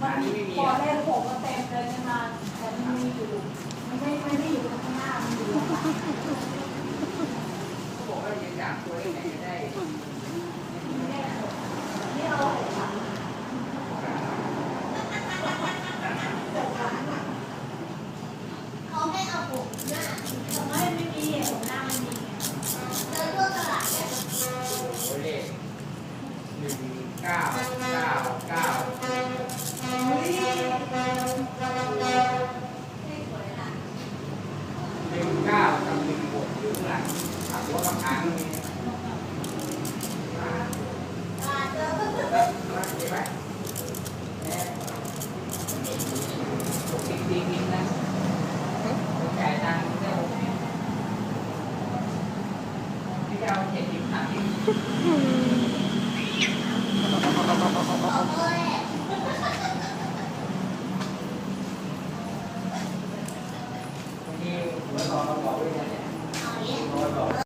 มันพอเลขหกก็เต็มเลยใช่ไหมแต่มันมีอยู่มันไม่ได้อยู่ข้างหน้ามันอยู่ข้างหลังเขาบอกว่าจะจับตัวไหนจะได้นี่เอาหกหลังเขาไม่เอาผมหน้าไม่มีผมหน้าไม่มีแล้วพวกตลาดเนี่ยโอ้เลข19กับ16อยู่ข้างหลังถามว่าคำถามนี้เห็นไหม60 ปีนะจ่ายตังค์ได้60ที่จะเอา70 30